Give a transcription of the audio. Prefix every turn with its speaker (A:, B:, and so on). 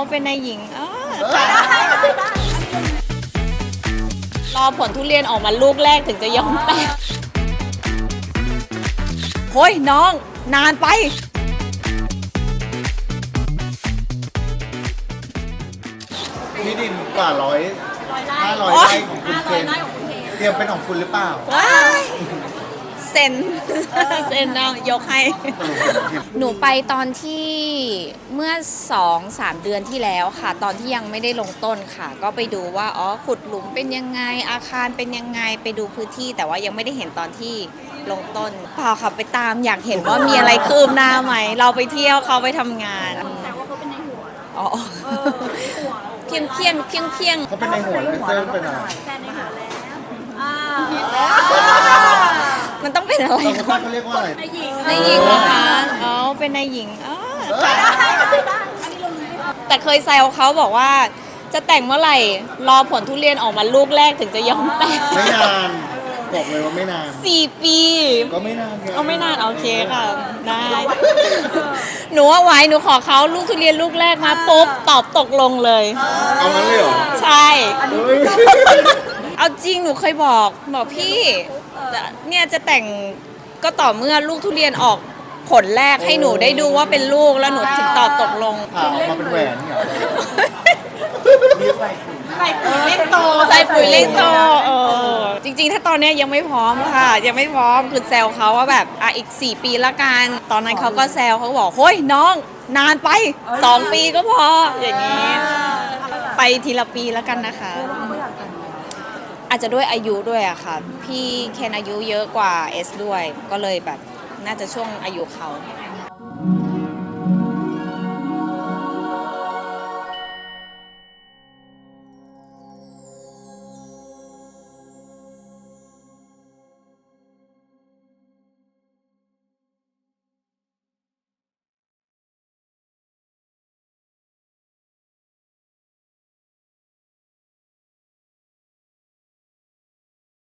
A: เป็นนายหญิงค่ะรอผลทุเรียนออกมาลูกแรกถึงจะยอมแตกโอ้ยน้องนานไป
B: ที่ดินกว่า500 ไร่ของคุณเคนเตรียมเป็นของคุณหรือเปล่า
A: เซ็นเอายกให้ หนูไปตอนที่เมื่อ 2-3 เดือนที่แล้วค่ะ ตอนที่ยังไม่ได้ลงต้นค่ะ ก็ไปดูว่าขุดหลุมเป็นยังไงอาคารเป็นยังไงไปดูพื้นที่แต่ว่ายังไม่ได้เห็นตอนที่ลงต้นเปล่าค่ะไปตามอยากเห็นว่ามีอะไรคืบหน้าไหมเราไปเที่ยวเขาไปทำงาน
C: แต่ว่าเขาเป็นในหัว
A: เพียง
B: เขาเป็นในหัวเลยเซอร์เป็นอะไร
C: แต่ในหัวแล้ว
A: มันต้องเป็นอะไร
B: เขาเรียกว่าอะไร
C: ในหญิง
A: นายหญิงเหรอคะเป็นนายหญิงค่ะแต่เคยแซวเขาบอกว่าจะแต่งเมื่อไหร่รอผลทุเรียนออกมาลูกแรกถึงจะยอมแต่ง
B: ไม่นานบอกเลยว่าไม่นาน
A: 4 ปี
B: ก็ไม่นาน
A: ไม่นานโอเคค่ะได้หนูว่าไว้หนูขอเขาลูกทุเรียนลูกแรกมาปุ๊บตอบตกลงเลย
B: เอางั้นเลยเหรอ
A: ใช่เอาจริงหนูเคยบอกพี่เนี่ยจะแต่งก็ต่อเมื่อลูกทุเรียนออกผลแรกให้หนูได้ดูว่าเป็นลูกแล้วหนูถึงตอบตกลง
B: ผ่าออกมาเป็นแหวนเนี่ย
A: ใส่ปุ๋ยเล่งโตจริงๆถ้าตอนนี้ยังไม่พร้อมค่ะยังไม่พร้อมคือแซวเขาว่าแบบอีก4 ปีละกันตอนนั้นเขาก็แซวเขาบอกเฮ้ยน้องนานไป2 ปีก็พออย่างนี้ไปทีละปีแล้วกันนะคะอาจจะด้วยอายุด้วยอะค่ะพี่เคนอายุเยอะกว่าเอสด้วยก็เลยแบบน่าจะช่วงอายุเขา